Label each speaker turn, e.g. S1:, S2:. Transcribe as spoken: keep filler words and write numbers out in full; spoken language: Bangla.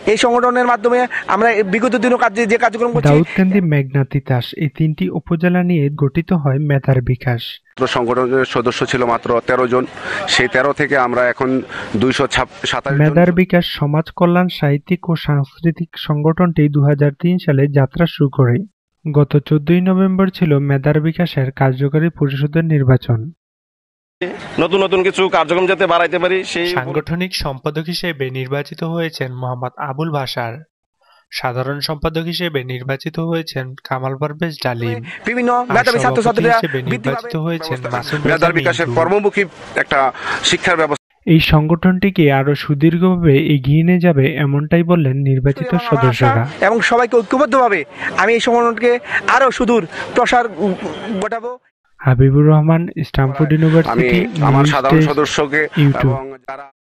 S1: এই সংগঠনের মাধ্যমে আমরা বিগত দিনও কাজ যে কার্যক্রম করছি।
S2: দাউদকান্দি, মেঘনা, তিতাস এই তিনটি উপজেলা নিয়ে গঠিত হয় মেধার বিকাশ।
S3: সংগঠনের সদস্য ছিল মাত্র তেরো জন, সেই তেরো থেকে আমরা এখন দুইশো সাতাশ।
S2: মেধার বিকাশ সমাজ কল্যাণ সাহিত্যিক ও সাংস্কৃতিক সংগঠনটি দু হাজার তিন সালে যাত্রা শুরু করে। গত চোদ্দই নভেম্বর ছিল মেধার বিকাশের কার্যকরী পরিষদের নির্বাচন।
S4: নতুন নতুন কিছু কার্যক্রম যাতে বাড়াইতে পারি সেই
S2: সাংগঠনিক সম্পাদক হিসেবে নির্বাচিত হয়েছেন মোহাম্মদ আবুল বাশার। সাধারণ সম্পাদক হিসেবে নির্বাচিত হয়েছেন কামাল পারভেজ ডালিম।
S1: বিভিন্ন মেধাবী ছাত্রছাত্রীরা
S2: নির্বাচিত হয়েছেন মাসুম
S3: মেধার বিকাশের কর্মমুখী একটা শিক্ষার ব্যবস্থা।
S2: এই সংগঠনটিকে আরো সুদীর্ঘভাবে এগিয়ে নিয়ে যাবে এমনটাই বললেন নির্বাচিত সদস্যরা।
S1: এবং সবাইকে ঐক্যবদ্ধভাবে আমি এই সংগঠনকে আরো সুদূর প্রসার ঘটাবো।
S2: হাবিবুর রহমান, স্ট্যামফোর্ড ইউনিভার্সিটি,
S3: আমার সাধারণ সদস্যকে এবং যারা